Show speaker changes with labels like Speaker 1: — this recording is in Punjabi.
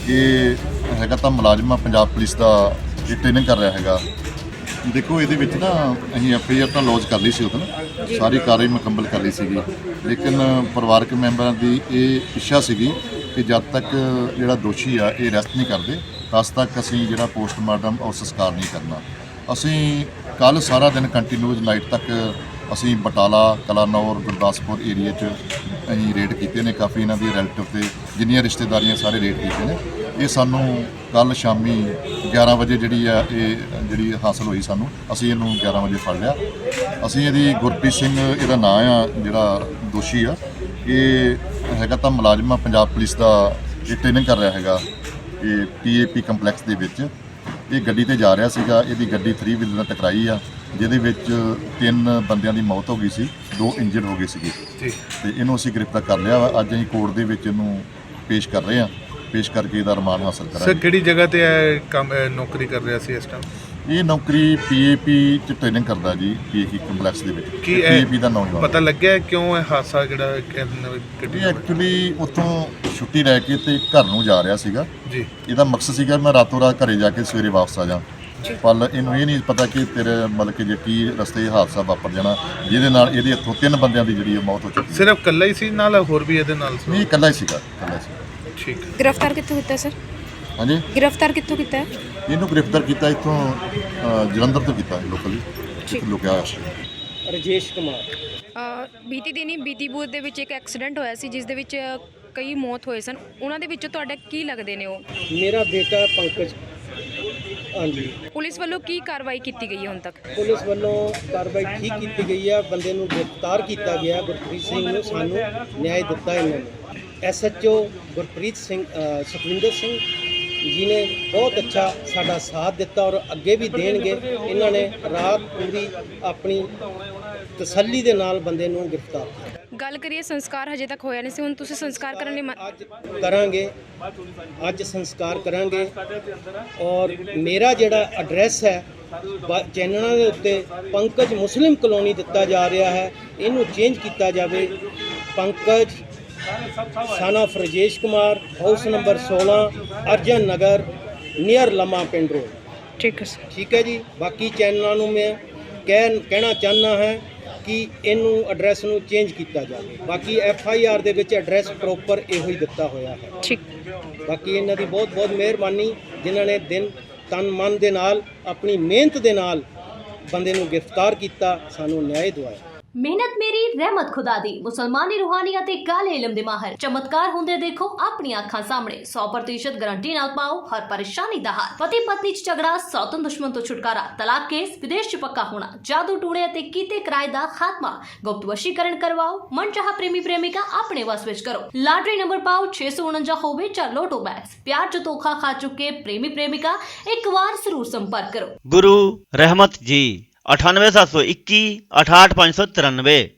Speaker 1: ਇਹ ਹੈਗਾ ਤਾਂ ਮੁਲਾਜ਼ਮ ਆ ਪੰਜਾਬ ਪੁਲਿਸ ਦਾ, ਇਹ ਟ੍ਰੇਨਿੰਗ ਕਰ ਰਿਹਾ ਹੈਗਾ। ਦੇਖੋ ਇਹਦੇ ਵਿੱਚ ਨਾ ਅਸੀਂ ਐਫਆਈਆਰ ਤਾਂ ਲੌਜ ਕਰ ਲਈ ਸੀ ਉਦੋਂ, ਸਾਰੀ ਕਾਰਵਾਈ ਮੁਕੰਮਲ ਕਰ ਲਈ ਸੀਗੀ, ਲੇਕਿਨ ਪਰਿਵਾਰਕ ਮੈਂਬਰਾਂ ਦੀ ਇਹ ਇੱਛਾ ਸੀਗੀ ਕਿ ਜਦ ਤੱਕ ਜਿਹੜਾ ਦੋਸ਼ੀ ਆ ਇਹ ਅਰੈਸਟ ਨਹੀਂ ਕਰਦੇ ਤਦ ਤੱਕ ਅਸੀਂ ਜਿਹੜਾ ਪੋਸਟਮਾਰਟਮ ਔਰ ਸੰਸਕਾਰ ਨਹੀਂ ਕਰਨਾ। ਅਸੀਂ ਕੱਲ੍ਹ ਸਾਰਾ ਦਿਨ ਕੰਟੀਨਿਊਸ ਨਾਈਟ ਤੱਕ ਅਸੀਂ ਬਟਾਲਾ, ਕਲਾਨੌਰ, ਗੁਰਦਾਸਪੁਰ ਏਰੀਏ 'ਚ ਅਸੀਂ ਰੇਡ ਕੀਤੇ ਨੇ। ਕਾਫੀ ਇਹਨਾਂ ਦੀ ਰਿਲੇਟਿਵ ਤੇ ਜਿੰਨੀਆਂ ਰਿਸ਼ਤੇਦਾਰੀਆਂ ਸਾਰੇ ਰੇਡ ਕੀਤੇ ਨੇ। ਇਹ ਸਾਨੂੰ ਕੱਲ੍ਹ ਸ਼ਾਮੀ 11 ਵਜੇ ਜਿਹੜੀ ਹਾਸਲ ਹੋਈ ਸਾਨੂੰ, ਅਸੀਂ ਇਹਨੂੰ 11 ਵਜੇ ਫੜ ਲਿਆ। ਅਸੀਂ ਇਹਦੀ ਗੁਰਪ੍ਰੀਤ ਸਿੰਘ ਇਹਦਾ ਨਾਂ ਆ, ਜਿਹੜਾ ਦੋਸ਼ੀ ਆ, ਇਹ ਹੈਗਾ ਤਾਂ ਮੁਲਾਜ਼ਮ ਆ ਪੰਜਾਬ ਪੁਲਿਸ ਦਾ, ਇਹ ਟ੍ਰੇਨਿੰਗ ਕਰ ਰਿਹਾ ਹੈਗਾ ਇਹ PAP ਕੰਪਲੈਕਸ ਦੇ ਵਿੱਚ। ਇਹ ਗੱਡੀ ਤੇ ਜਾ ਰਿਹਾ ਸੀਗਾ, ਇਹਦੀ ਗੱਡੀ 3 ਵੀਲਰ ਨਾਲ ਟਕਰਾਈ ਆ, ਜਿਹਦੇ ਵਿੱਚ 3 ਬੰਦਿਆਂ ਦੀ ਮੌਤ ਹੋ ਗਈ ਸੀ, 2 ਇੰਜਰਡ ਹੋ ਗਏ ਸੀਗੇ ਤੇ ਇਹਨੂੰ ਅਸੀਂ ਗ੍ਰਿਫਤਾਰ ਕਰ ਲਿਆ ਵਾ। ਅੱਜ ਅਸੀਂ ਕੋਰਟ ਦੇ ਵਿੱਚ ਇਹਨੂੰ ਪੇਸ਼ ਕਰ ਰਹੇ ਹਾਂ, ਪੇਸ਼ ਕਰਕੇ ਇਹਦਾ ਰਿਮਾਂਡ ਹਾਸਲ ਕਰਾਂਗੇ।
Speaker 2: ਸਰ ਕਿਹੜੀ ਜਗ੍ਹਾ ਤੇ ਕੰਮ ਨੌਕਰੀ ਕਰ ਰਿਹਾ ਸੀ ਇਸ ਟਾਈਮ?
Speaker 1: ਇਹ ਨੌਕਰੀ PAP 'ਚ ਟ੍ਰੇਨਿੰਗ ਕਰਦਾ ਜੀ, PAP ਕੰਪਲੈਕਸ ਦੇ ਵਿੱਚ।
Speaker 2: ਕੀ
Speaker 1: PAP ਦਾ ਨੌਜਵਾਨ
Speaker 2: ਪਤਾ ਲੱਗਿਆ ਕਿਉਂ ਇਹ ਹਾਦਸਾ ਜਿਹੜਾ
Speaker 1: ਇਹ ਐਕਚੁਅਲੀ ਉੱਥੋਂ ਛੁੱਟੀ ਲੈ ਕੇ ਤੇ ਘਰ ਨੂੰ ਜਾ ਰਿਹਾ ਸੀਗਾ
Speaker 2: ਜੀ।
Speaker 1: ਇਹਦਾ ਮਕਸਦ ਸੀਗਾ ਮੈਂ ਰਾਤੋਂ ਰਾਤ ਘਰੇ ਜਾ ਕੇ ਸਵੇਰੇ ਵਾਪਸ ਆ ਜਾ, ਪਰ ਇਹਨੂੰ ਇਹ ਨਹੀਂ ਪਤਾ ਕਿ ਤੇਰੇ ਮਤਲਬ ਕਿ ਜੇ ਕੀ ਰਸਤੇ ਹਾਦਸਾ ਵਾਪਰ ਜਾਣਾ, ਜਿਹਦੇ ਨਾਲ ਇਹਦੇ ਹੱਥੋਂ 3 ਬੰਦਿਆਂ ਦੀ ਜਿਹੜੀ ਮੌਤ ਹੋ ਚੁੱਕੀ।
Speaker 2: ਸਿਰਫ ਇਕੱਲਾ ਹੀ ਸੀ ਨਾਲ ਹੋਰ ਵੀ ਇਹਦੇ ਨਾਲ ਸੀ?
Speaker 1: ਨਹੀਂ, ਇਕੱਲਾ ਹੀ ਸੀਗਾ, ਇਕੱਲਾ ਸੀ।
Speaker 2: ਠੀਕ।
Speaker 3: गिरफ्तार कितों किया सर?
Speaker 1: ਹਾਂਜੀ,
Speaker 3: गिरफ्तार कितों किया है?
Speaker 1: ਇਹਨੂੰ ਗ੍ਰਿਫਤਾਰ ਕੀਤਾ ਇੱਥੋਂ ਜਲੰਧਰ ਤੋਂ ਕੀਤਾ ਲੋਕਲੀ, ਲੁਕਿਆ ਹੋਇਆ ਸੀ।
Speaker 4: ਰਜੇਸ਼ ਕੁਮਾਰ।
Speaker 3: ਬੀਤੀ ਦਿਨੀ ਬੀਤੀਪੁਰ ਦੇ ਵਿੱਚ ਇੱਕ ਐਕਸੀਡੈਂਟ ਹੋਇਆ ਸੀ ਜਿਸ ਦੇ ਵਿੱਚ ਕਈ ਮੌਤ ਹੋਏ ਸਨ, ਉਹਨਾਂ ਦੇ ਵਿੱਚੋਂ ਤੁਹਾਡਾ ਕੀ ਲੱਗਦੇ ਨੇ ਉਹ?
Speaker 4: ਮੇਰਾ ਬੇਟਾ ਪੰਕਜ। ਹਾਂਜੀ,
Speaker 3: ਪੁਲਿਸ ਵੱਲੋਂ ਕੀ ਕਾਰਵਾਈ ਕੀਤੀ ਗਈ ਹੈ ਹੁਣ ਤੱਕ?
Speaker 4: ਪੁਲਿਸ ਵੱਲੋਂ ਕਾਰਵਾਈ ਠੀਕ ਕੀਤੀ ਗਈ ਹੈ, ਬੰਦੇ ਨੂੰ ਗ੍ਰਿਫਤਾਰ ਕੀਤਾ ਗਿਆ। ਗੁਰਪ੍ਰੀਤ ਸਿੰਘ ਨੂੰ ਸਾਨੂੰ ਨਿਆਂ ਦਿੱਤਾ ਇਹਨਾਂ ਨੇ। SHO ਗੁਰਪ੍ਰੀਤ ਸਿੰਘ ਸੁਖਵਿੰਦਰ ਸਿੰਘ ਜੀ ਨੇ ਬਹੁਤ ਅੱਛਾ ਸਾਡਾ ਸਾਥ ਦਿੱਤਾ ਔਰ ਅੱਗੇ ਵੀ ਦੇਣਗੇ। ਇਹਨਾਂ ਨੇ ਰਾਤ ਪੂਰੀ ਆਪਣੀ ਤਸੱਲੀ ਦੇ ਨਾਲ ਬੰਦੇ ਨੂੰ ਗ੍ਰਿਫਤਾਰ ਕੀਤਾ।
Speaker 3: ਗੱਲ ਕਰੀਏ ਸੰਸਕਾਰ ਹਜੇ ਤੱਕ ਹੋਇਆ ਨਹੀਂ ਸੀ, ਹੁਣ ਤੁਸੀਂ ਸੰਸਕਾਰ ਕਰਨ ਲਈ
Speaker 4: ਅੱਜ ਕਰਾਂਗੇ, ਅੱਜ ਸੰਸਕਾਰ ਕਰਾਂਗੇ। ਔਰ ਮੇਰਾ ਜਿਹੜਾ ਐਡਰੈਸ ਹੈ ਚੈਨਲਾਂ ਦੇ ਉੱਤੇ ਪੰਕਜ ਮੁਸਲਿਮ ਕਲੋਨੀ ਦਿੱਤਾ ਜਾ ਰਿਹਾ ਹੈ, ਇਹਨੂੰ ਚੇਂਜ ਕੀਤਾ ਜਾਵੇ। Pankaj son of Rajesh Kumar, house number 16, Arjan Nagar, near Lamma Pind road.
Speaker 3: ਠੀਕ ਹੈ ਸਰ।
Speaker 4: ਠੀਕ ਹੈ ਜੀ। ਬਾਕੀ ਚੈਨਲਾਂ ਨੂੰ ਮੈਂ ਕਹਿਣਾ ਚਾਹੁੰਦਾ ਹੈ ਕਿ ਇਹਨੂੰ ਐਡਰੈਸ ਨੂੰ ਚੇਂਜ ਕੀਤਾ ਜਾਵੇ। ਬਾਕੀ FIR ਦੇ ਵਿੱਚ ਐਡਰੈਸ ਪ੍ਰੋਪਰ ਇਹੋ ਹੀ ਦਿੱਤਾ ਹੋਇਆ ਹੈ।
Speaker 3: ਠੀਕ।
Speaker 4: ਬਾਕੀ ਇਹਨਾਂ ਦੀ ਬਹੁਤ ਬਹੁਤ ਮਿਹਰਬਾਨੀ, ਜਿਨ੍ਹਾਂ ਨੇ ਦਿਨ ਤਨ ਮਨ ਦੇ ਨਾਲ ਆਪਣੀ ਮਿਹਨਤ ਦੇ ਨਾਲ ਬੰਦੇ ਨੂੰ ਗ੍ਰਿਫਤਾਰ ਕੀਤਾ, ਸਾਨੂੰ ਨਿਆਂ ਦਿਵਾਇਆ।
Speaker 5: ਮਿਹਨਤ ਮੇਰੀ ਰਹਿਮਤ ਖੁਦਾ ਦੀ। ਮੁਸਲਮਾਨੀ ਰੂਹਾਨੀ ਅਤੇ ਕਾਲੇ ਇਲਮ ਦੇ ਮਾਹਰ ਚਮਤਕਾਰ ਹੁੰਦੇ ਦੇਖੋ ਆਪਣੀ ਅੱਖਾਂ ਸਾਹਮਣੇ। 100% ਗਾਰੰਟੀ ਨਾਲ ਪਾਓ ਹਰ ਪਰੇਸ਼ਾਨੀ ਦਾ ਹੱਲ। ਪਤੀ ਪਤਨੀ ਚ ਝਗੜਾ, ਸੌਤਨ ਦੁਸ਼ਮਣ ਤੋਂ ਛੁਟਕਾਰਾ, ਤਲਾਕ ਕੇਸ, ਵਿਦੇਸ਼ ਚ ਪੱਕਾ ਹੋਣਾ, ਜਾਦੂ ਟੂਣੇ ਅਤੇ ਕੀਤੇ ਕਿਰਾਏ ਦਾ ਖਾਤਮਾ, ਗੁਪਤ ਵਸ਼ੀਕਰਨ ਕਰਵਾਓ, ਮਨਚਾਹਾ ਪ੍ਰੇਮੀ ਪ੍ਰੇਮਿਕਾ ਆਪਣੇ ਵਸ ਵਿੱਚ ਕਰੋ। ਲਾਟਰੀ ਨੰਬਰ ਪਾਓ 649 ਹੋਵੇ ਜਾਂ ਲੋਟੋ ਬੈਗਸ। ਪਿਆਰ ਚ ਧੋਖਾ ਖਾ ਚੁੱਕੇ ਪ੍ਰੇਮੀ ਪ੍ਰੇਮਿਕਾ ਇੱਕ ਵਾਰ ਜ਼ਰੂਰ ਸੰਪਰਕ ਕਰੋ।
Speaker 6: गुरु रहमत जी 98 721 68 593।